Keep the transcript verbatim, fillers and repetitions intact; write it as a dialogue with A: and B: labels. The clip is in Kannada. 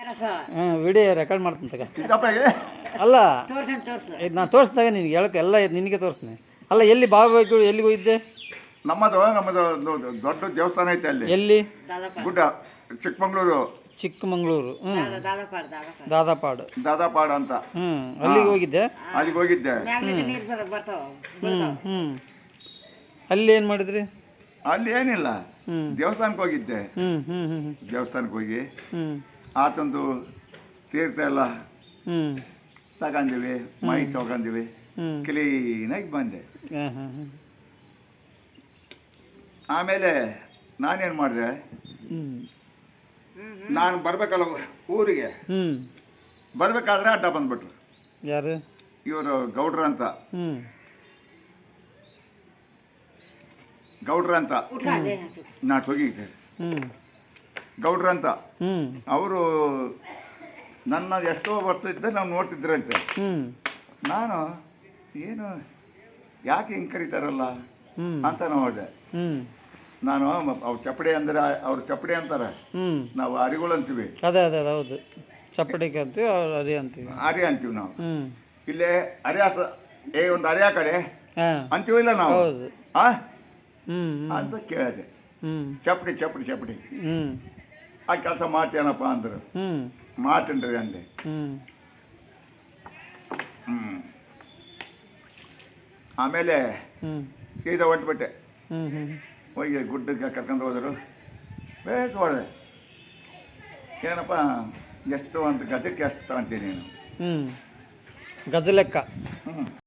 A: ಹಾಂ ವಿಡಿಯೋ ರೆಕಾರ್ಡ್ ಮಾಡ್ತೀನಿ ತಗ.
B: ಸಿದ್ದಪ್ಪಗೆ
A: ಅಲ್ಲ ಇದು ನಾನು ತೋರಿಸಿದಾಗ ನಿನಗೆ ಹೇಳಕ್ಕೆ ಎಲ್ಲ ನಿನಗೆ ತೋರಿಸ್ತೀನಿ. ಅಲ್ಲ ಎಲ್ಲಿ ಬಾಬಾಗಳು ಎಲ್ಲಿಗೆ ಹೋಗಿದ್ದೆ?
B: ನಮ್ಮದು ನಮ್ಮದು ಒಂದು ದೊಡ್ಡ ದೇವಸ್ಥಾನ ಐತೆ ಅಲ್ಲಿ.
A: ಎಲ್ಲಿ?
B: ಗುಡ್ಡ, ಚಿಕ್ಕಮಂಗ್ಳೂರು.
A: ಚಿಕ್ಕಮಂಗ್ಳೂರು. ಹ್ಞೂ ದಾದಾಪಾಡು
B: ದಾದಾಪಾಡು ಅಂತ.
A: ಹ್ಞೂ ಅಲ್ಲಿಗೆ ಹೋಗಿದ್ದೆ.
B: ಅಲ್ಲಿಗೆ ಹೋಗಿದ್ದೆ.
A: ಹ್ಞೂ ಹ್ಞೂ ಅಲ್ಲಿ ಏನು ಮಾಡಿದ್ರಿ?
B: ಅಲ್ಲಿ ಏನಿಲ್ಲ,
A: ಹ್ಞೂ
B: ದೇವಸ್ಥಾನಕ್ಕೆ ಹೋಗಿದ್ದೆ.
A: ಹ್ಞೂ ಹ್ಞೂ ಹ್ಞೂ
B: ದೇವಸ್ಥಾನಕ್ಕೆ ಹೋಗಿ
A: ಹ್ಞೂ
B: ಆತಂದು ತೀರ್ಥ ಎಲ್ಲ
A: ಹ್ಞೂ
B: ತಗೊಂಡಿವಿ, ಮೈ ತಗೊಂಡಿವಿ,
A: ಹ್ಞೂ
B: ಕ್ಲೀನಾಗಿ ಬಂದೆ.
A: ಹಾಂ ಹಾಂ ಹಾಂ
B: ಆಮೇಲೆ ನಾನೇನು ಮಾಡಿದೆ,
A: ಹ್ಞೂ
B: ನಾನು ಬರಬೇಕಲ್ಲ ಊರಿಗೆ,
A: ಹ್ಞೂ
B: ಬರಬೇಕಾದ್ರೆ ಅಡ್ಡ ಬಂದ್ಬಿಟ್ರು.
A: ಯಾರು?
B: ಇವರು ಗೌಡ್ರ ಅಂತ.
A: ಹ್ಞೂ
B: ಗೌಡ್ರ ಅಂತ ನಾ ಹೋಗಿದ್ದೆ.
A: ಹ್ಞೂ
B: ಗೌಡ್ರ ಅಂತ
A: ಹ್ಞೂ
B: ಅವರು ನನ್ನ ಎಷ್ಟೋ ಬರ್ತಿದ್ದೆ, ನಾವು ನೋಡ್ತಿದ್ರಂತೆ.
A: ಹ್ಞೂ
B: ನಾನು ಏನು ಯಾಕೆ ಹಿಂಗೆ ಕರೀತಾರಲ್ಲ
A: ಹ್ಞೂ
B: ಅಂತ ನೋಡಿದೆ.
A: ಹ್ಞೂ
B: ನಾನು ಅವ್ರು ಚಪ್ಪಡಿ ಅಂದರೆ ಅವ್ರು ಚಪ್ಪಡಿ ಅಂತಾರೆ,
A: ಹ್ಞೂ
B: ನಾವು ಅರಿಗಳು ಅಂತೀವಿ.
A: ಅದೇ ಅದೇ ಅದೇ ಹೌದು, ಚಪ್ಪಡಿಕೆ ಅಂತೀವಿ, ಅವ್ರು ಅದೇ ಅಂತೀವಿ.
B: ಅರಿ ಅಂತೀವಿ ನಾವು.
A: ಹ್ಞೂ
B: ಇಲ್ಲೇ ಅರಿಯಾಸ ಏ ಒಂದು ಅರಿಯಾ ಕಡೆ
A: ಹಾಂ
B: ಅಂತೀವಿಲ್ಲ ನಾವು.
A: ಹೌದು.
B: ಆ
A: ಹ್ಞೂ
B: ಅಂತ ಕೇಳಿದೆ.
A: ಹ್ಞೂ
B: ಚಪ್ಪಡಿ ಚಪ್ಪಡಿ ಚಪ್ಪಡಿ
A: ಹ್ಞೂ
B: ಆ ಕೆಲಸ ಮಾಡ್ತೇನಪ್ಪ ಅಂದರು.
A: ಹ್ಞೂ
B: ಮಾಡ್ತೀನಿ ಅಂದೆ.
A: ಹ್ಞೂ
B: ಹ್ಞೂ ಆಮೇಲೆ
A: ಹ್ಞೂ
B: ಸೀದಾ ಹೊಂಟ್ಬಿಟ್ಟೆ.
A: ಹ್ಞೂ ಹ್ಞೂ
B: ಹೋಗಿ ಗುಡ್ಡಕ್ಕೆ ಕರ್ಕೊಂಡು ಹೋದರು. ಬೇಸ್ ಹೊಡೆದೆ. ಏನಪ್ಪ ಎಷ್ಟು ಅಂತ ಗಜಕ್ಕೆ ಎಷ್ಟು ತಗೊಂತೀನಿ ನೀನು?
A: ಹ್ಞೂ ಗಜ ಲೆಕ್ಕ.
B: ಹ್ಞೂ